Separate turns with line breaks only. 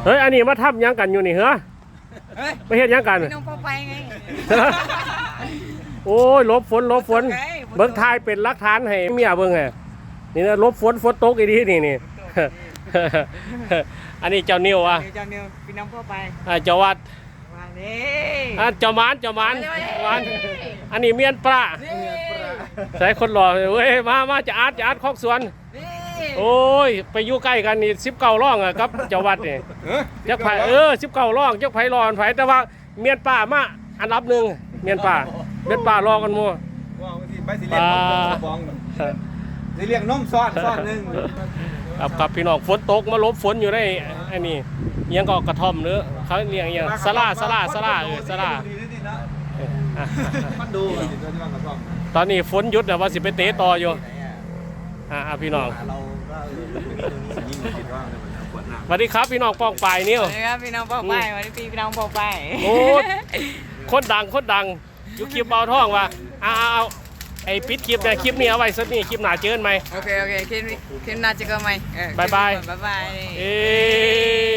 เฮ้ยอันนี้มาทำยังกันอยู่นี่เหรอไม่เห็นยังกัน
น้องพ่อไปไง
โอ้ยลบฝนเบิ้งทายเป็นหลักฐานให้เมียเบิ้งไงนี่นะลบฝนตกอีดีนี่ อันนี้เจ้านิวอ่ะ
เจ้านิวพี่น้องพ่อไป
เจ้าวัด
มานี่
เจ้าหมานอันนี้เมียนปลาใส่คนหล่อเว้ยมาจะอาร์ตคอกสวนโอ้ยไปอยู่ใกล้กันนี่19ร่องอ่ะครับเจ้าวัดนี่จักไผ่19ร่องจักไผ่รอนไผ่แต่ว่าเมียนป่ามาอันดับหนึ่งเมียนป่ารอกันมัว
ไปสิเรียกน้องบองสิเรียกน้องซ้อนหนึ่ง
ครับพี่น้องฝนตกมาลบฝนอยู่ได้ไอ้นี่ยังก็กระท่อมเนื้อเขาเรียกยังสลาสลาตอนนี้ฝนหยุดแต่ว่าสิไปเตะต่ออยู่พี่น้องสวัสดีครับพี่น้องป้องปลายนิ้ว
สวัสดีครับพี่น้องพ่อไปวันนี้พี่น้องพ่อไป
โอ้คนดังยุคคลิปเบาท่องว่ะเอาไอ้ปิดคลิปเนี่ยคลิปนี้เอาไว้สักนี่คลิปหนาเจอกันไหม
โอเคคลิปหน้าจะก็ไหม
บาย
บ๊ายบาย